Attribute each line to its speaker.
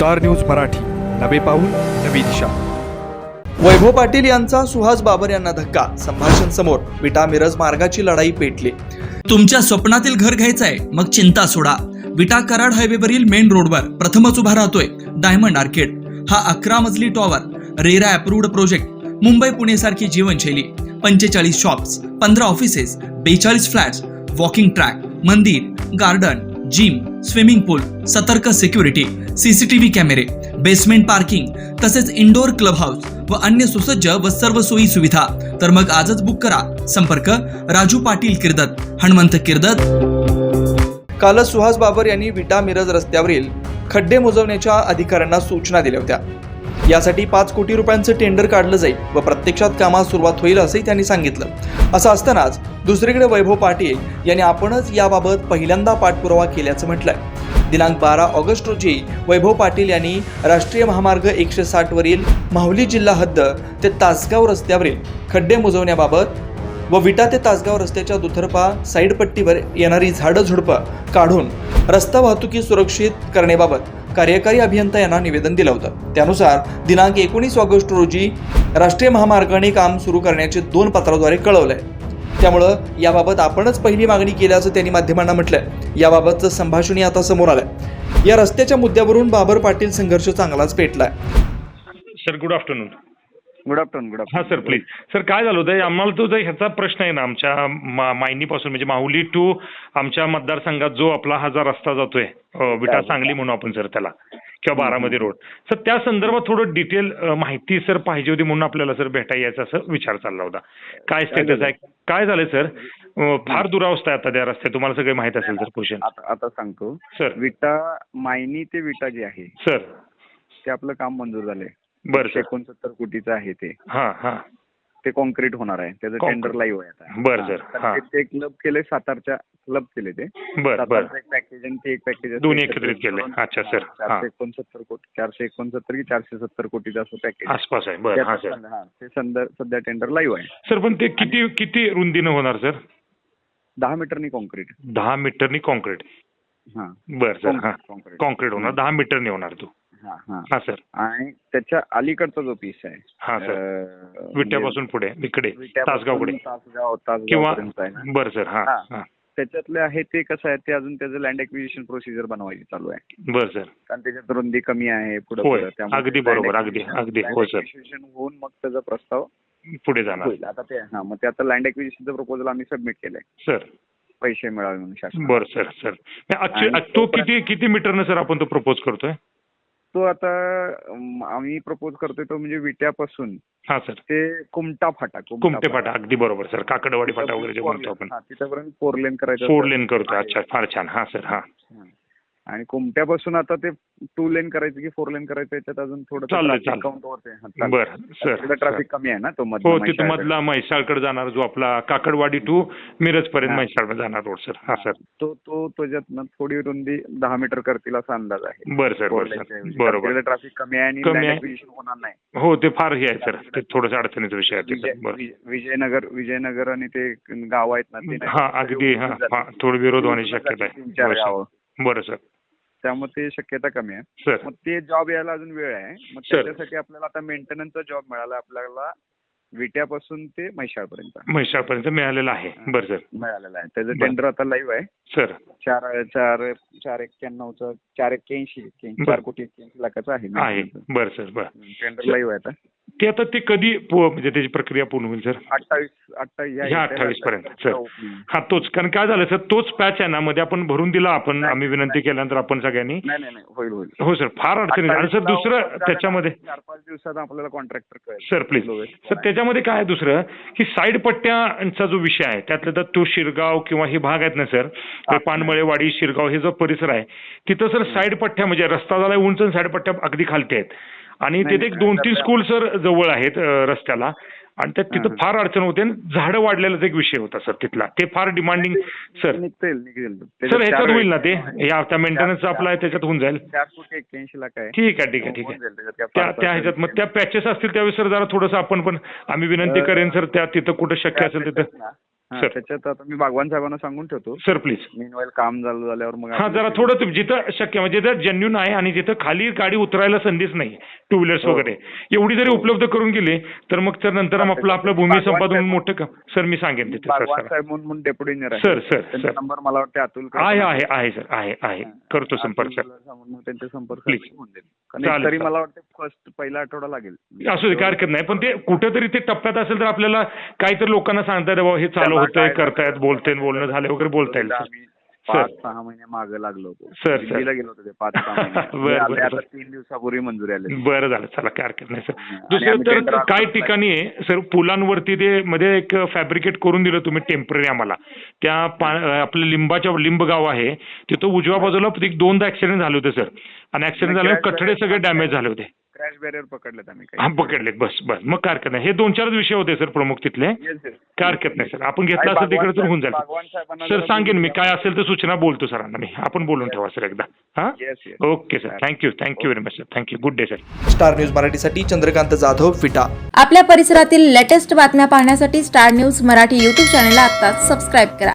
Speaker 1: Star news Marathi, नवे पाऊल नवी दिशा.
Speaker 2: वैभव पाटील यांचा सुहास बाबर यांना धक्का. संभाषण समोर. विटा मिरज मार्गाची लढाई पेटली.
Speaker 3: तुमच्या स्वप्नातील घर घ्यायचंय मग चिंता सोडा. विटा कराड हायवेवरील मेन रोडवर प्रथमच उभा राहतोय डायमंड आर्केड. हा 11 मजली tower, RERA approved project. Mumbai Pune सारखी जीवनशैली. 45 shops, 15 offices, 42 flats, walking track, मंदिर, गार्डन, जिम, स्विमिंग पूल, सतर्क सिक्युरिटी, सीसीटीव्ही कॅमेरे, बेसमेंट पार्किंग, तसेच इंडोर क्लब हाऊस व अन्य सुसज्ज व सर्व सोयी सुविधा. तर मग आजच बुक करा. संपर्क राजू पाटील किर्दत, हनुमंत किर्दत.
Speaker 2: कालच सुहास बाबर यांनी विटा मिरज रस्त्यावरील खड्डे मोजवण्याच्या अधिकाऱ्यांना सूचना दिल्या होत्या. यासाठी 5 कोटी रुपयांचं टेंडर काढलं जाईल व प्रत्यक्षात कामास सुरुवात होईल असंही त्यांनी सांगितलं. असं असतानाच दुसरीकडे वैभव पाटील यांनी आपणच याबाबत पहिल्यांदा पाठपुरावा केल्याचं म्हटलंय. दिनांक 12 ऑगस्ट रोजी वैभव पाटील यांनी राष्ट्रीय महामार्ग 160 वरील माहुली जिल्हा हद्द ते तासगाव रस्त्यावरील खड्डे मोजवण्याबाबत व विटा ते तासगाव रस्त्याच्या दुतर्फा साईड पट्टीवर येणारी झाडं झुडपं काढून रस्ता वाहतुकी सुरक्षित करण्याबाबत कार्यकारी अभियंता यांना निवेदन दिलं होतं. त्यानुसार दिनांक 19 ऑगस्ट रोजी राष्ट्रीय महामार्गाने काम सुरू करण्याचे 2 पत्राद्वारे कळवलंय. त्यामुळं याबाबत आपणच पहिली मागणी केल्याचं त्यांनी माध्यमांना म्हटलंय. याबाबतचं संभाषणही आता समोर आलंय. या रस्त्याच्या मुद्द्यावरून बाबर पाटील संघर्ष चांगलाच पेटलाय.
Speaker 4: Sir good afternoon.
Speaker 5: Good afternoon.
Speaker 4: हां सर प्लीज. सर काय झालं होतं, आम्हाला तो ह्याचा प्रश्न आहे ना, आमच्या मायनीपासून म्हणजे माहुली टू आमच्या मतदारसंघात जो आपला हा जो रस्ता जातोय विटा सांगली म्हणून आपण सर त्याला, किंवा बारामती रोड, सर त्या संदर्भात थोडं डिटेल माहिती सर पाहिजे होती म्हणून आपल्याला सर भेटा यायचा असं विचार चालला होता. काय स्टेटस आहे, काय झालंय सर? फार दुरावस्था आहे आता त्या रस्त्यात, तुम्हाला सगळे माहित असेल सर. क्वेश्चन
Speaker 5: आता सांगतो
Speaker 4: सर.
Speaker 5: विटा मायनी ते विटा जे आहे
Speaker 4: सर
Speaker 5: ते आपलं काम मंजूर झालंय.
Speaker 4: बरं सर.
Speaker 5: 69 कोटीचं आहे ते.
Speaker 4: हां हां.
Speaker 5: ते कॉन्क्रीट होणार आहे. त्याचं टेंडर लाईव्ह आहे आता.
Speaker 4: बरं सर. हां.
Speaker 5: ते क्लब केले, सातारच्या क्लब केले ते.
Speaker 4: बरं बरं.
Speaker 5: एक पॅकेज आणि ते एक पॅकेज
Speaker 4: दोन्ही एकत्रित केले. अच्छा सर.
Speaker 5: 469 कोटी, 469 की 470 कोटीचं असं पॅकेज
Speaker 4: आसपास आहे. बरं. हां सर.
Speaker 5: ते सध्या टेंडर लाईव्ह आहे.
Speaker 4: सर पण ते किती रुंदीनं होणार सर?
Speaker 5: 10 मीटरनी कॉन्क्रीट.
Speaker 4: 10 मीटरनी कॉन्क्रीट.
Speaker 5: हां
Speaker 4: बरं सर. हां. कॉन्क्रीट होणार, 10 मीटरनी होणार तो. हां सर.
Speaker 5: आणि त्याच्या अलीकडचा जो पीस आहे,
Speaker 4: हां सर, विट्यापासून पुढे इकडे तासगावकडे
Speaker 5: तासगाव
Speaker 4: किंवा
Speaker 5: पर्यंत आहे ना.
Speaker 4: बरं सर. हां हां.
Speaker 5: त्याच्यातले आहे ते कसं आहे, ते अजून त्याचं लँड एक्विजिशन प्रोसिजर बनवायची चालू आहे.
Speaker 4: बरं सर.
Speaker 5: कारण त्याच्यात रुंदी कमी आहे पुढे.
Speaker 4: होय, अगदी बरोबर. अगदी हो सर.
Speaker 5: होऊन मग त्याचा प्रस्ताव
Speaker 4: पुढे जाणार.
Speaker 5: आता ते मग ते आता लँड एक्विजिशनचं प्रपोजल आम्ही सबमिट केलंय
Speaker 4: सर.
Speaker 5: पैसे मिळावे म्हणून शासन.
Speaker 4: बरं सर. सर तो किती मीटरनं सर आपण तो प्रपोज करतोय?
Speaker 5: तो आता आम्ही प्रपोज करतोय तो म्हणजे विट्यापासून
Speaker 4: हां सर
Speaker 5: ते कुमटे फाटा.
Speaker 4: अगदी बरोबर सर. काकडवाडी फाटा वगैरे जे म्हणतो आपण,
Speaker 5: तिथपर्यंत 4 लेन करायचं.
Speaker 4: 4 लेन करतोय. अच्छा, फार छान. हां सर. हां.
Speaker 5: आणि कुमट्यापासून आता ते 2 लेन करायचं की 4 लेन करायचं, याच्यात अजून थोडं
Speaker 4: चाललं. बरं सर.
Speaker 5: ट्रॅफिक कमी आहे ना तो
Speaker 4: हो, तिथं मधला म्हैसाळकडे जाणार जो आपला काकडवाडी टू मिरज पर्यंत म्हैसाळ जाणार रोड सर. हा सर.
Speaker 5: तो त्याच्यात थोडी रुंदी 10 मीटर करतील असा अंदाज आहे.
Speaker 4: बरं सर. बरोबर.
Speaker 5: ट्रॅफिक कमी आहे आणि ऍक्विजिशन होणार नाही.
Speaker 4: हो, ते फार हे आहे सर, ते थोडंसं अडचणीचा विषय आहे.
Speaker 5: विजयनगर आणि ते गाव आहेत ना ते.
Speaker 4: हा अगदी. हा थोडी विरोध होण्याची शक्यता आहे. बरं सर.
Speaker 5: त्यामुळे ते शक्यता कमी आहे
Speaker 4: सर.
Speaker 5: मग ते जॉब यायला अजून वेळ आहे. मग त्याच्यासाठी आपल्याला आता मेंटेनन्सचा जॉब मिळाला आपल्याला विट्यापासून ते म्हैसाळपर्यंत
Speaker 4: मिळालेला आहे. बरं सर.
Speaker 5: मिळालेला आहे. त्याचं टेंडर आता लाईव्ह आहे
Speaker 4: सर.
Speaker 5: 481 4 कोटी 81 लाखाचं आहे.
Speaker 4: बरं सर. बरं.
Speaker 5: टेंडर लाईव्ह आहे आता.
Speaker 4: ते आता ते कधी म्हणजे त्याची प्रक्रिया पूर्ण होईल सर? 28 पर्यंत सर. हा तोच, कारण काय झालं सर, तोच पॅच आहे ना मध्ये आपण भरून दिला. आपण आम्ही विनंती केल्यानंतर आपण सगळ्यांनी.
Speaker 5: नाही होईल.
Speaker 4: हो सर. फार अडचणी. आणि सर दुसरं त्याच्यामध्ये
Speaker 5: 4-5 दिवसात आपल्याला कॉन्ट्रॅक्टर कळेल.
Speaker 4: Sir please. सर त्याच्यामध्ये काय आहे दुसरं, की साईड पट्ट्यांचा जो विषय आहे त्यातलं तर तो शिरगाव किंवा हे भाग आहेत ना सर, पानमळेवाडी, शिरगाव हे जो परिसर आहे तिथं सर साईड पट्ट्या म्हणजे रस्ता झाला उंच, साईड पट्ट्या अगदी खालते आहेत. आणि तिथे 2-3 स्कूल सर जवळ आहेत रस्त्याला, आणि त्यात तिथं फार अडचण होते. झाडं वाढलेलाच एक विषय होता सर तिथला. ते फार डिमांडिंग सर. सर ह्याच्यात होईल ना ते, त्या मेंटेनन्स आपला आहे त्याच्यात होऊन जाईल.
Speaker 5: 481 लाख आहे.
Speaker 4: ठीक आहे. त्या ह्याच्यात मग त्या पॅचेस असतील त्यावेळेस सर जरा थोडंसं आपण पण आम्ही विनंती करेन सर, त्या तिथं कुठं शक्य असेल तिथं. सर.
Speaker 5: त्याच्यात आता मी बागवान साहेबांना सांगून ठेवतो.
Speaker 4: Sir please.
Speaker 5: मीनवाईल काम झाल्यावर मग
Speaker 4: हा जरा थोडं जिथं शक्य म्हणजे जिथं जेन्युन आहे आणि जिथं खाली गाडी उतरायला संधीच नाही टू व्हीलर्स वगैरे एवढी जरी उपलब्ध करून गेली तर मग तर नंतर आपलं भूमी संपादन मोठं काम सर मी सांगेन तिथे सर.
Speaker 5: बागवान साहेब म्हणून डेप्युटी इंजिनियर
Speaker 4: सर सर
Speaker 5: त्यांचा
Speaker 4: सर
Speaker 5: नंबर मला वाटतं अतुल
Speaker 4: आहे सर आहे करतो संपर्क सर.
Speaker 5: मग त्यांचे संपर्क
Speaker 4: Please.
Speaker 5: होऊन जाईल.
Speaker 4: चालेल,
Speaker 5: कारण तरी
Speaker 4: चालेल.
Speaker 5: मला वाटतं पहिला आठवडा लागेल.
Speaker 4: असू दे काय हरकत नाही पण ते कुठेतरी ते टप्प्यात असेल तर आपल्याला काहीतरी लोकांना सांगता येईल बाबा हे चालू होतंय करतायत बोलतायत बोलणं झालं वगैरे बोलता येईल सर.
Speaker 5: आम्ही 5-6 महिने मागे लागलो होतो.
Speaker 4: सर.
Speaker 5: दिल्लीला गेलो होतो ते 5-6 महिने.
Speaker 4: बरं,
Speaker 5: आले आता
Speaker 4: बरं.
Speaker 5: 3 दिवसापूर्वी मंजुरी आली.
Speaker 4: बरं झालं चला काय हरकत नाही सर.
Speaker 5: आणि
Speaker 4: दुसरं
Speaker 5: आम्ही
Speaker 4: तर
Speaker 5: tender
Speaker 4: काही
Speaker 5: apply
Speaker 4: ठिकाणी आहे सर पुलांवरती ते मध्ये एक फॅब्रिकेट करून दिलं तुम्ही टेम्पररी आम्हाला त्या आपलं लिंब गाव आहे तिथं उजव्या बाजूला 2दा ऍक्सिडेंट झाले होते सर आणि ऍक्सिडेंट झाल्यावर कठडे सगळे डॅमेज झाले होते.
Speaker 5: क्रॅश बॅरियर पकडलेत आम्ही
Speaker 4: हा पकडलेत बस मग काय हरकत नाही. हे 2-4 विषय होते सर प्रमुख तिथले.
Speaker 5: Yes, yes.
Speaker 4: काय हरकत नाही सर आपण घेतला असेल तिकडे तर होऊन जाईल
Speaker 5: बागवान साहेबांना
Speaker 4: सर.
Speaker 5: जरा
Speaker 4: सांगेन मी
Speaker 5: बोलून
Speaker 4: काय असेल तर सूचना बोलतो सरांना मी. आपण बोलून ठेवा सर एकदा. हा
Speaker 5: Yes, yes.
Speaker 4: Okay sir thank you very much sir. Thank you good day sir.
Speaker 2: Star News मराठीसाठी चंद्रकांत जाधव, विटा.
Speaker 6: आपल्या परिसरातील लेटेस्ट बातम्या पाहण्यासाठी स्टार न्यूज मराठी यूट्यूब चॅनलला आत्ताच सबस्क्राईब करा.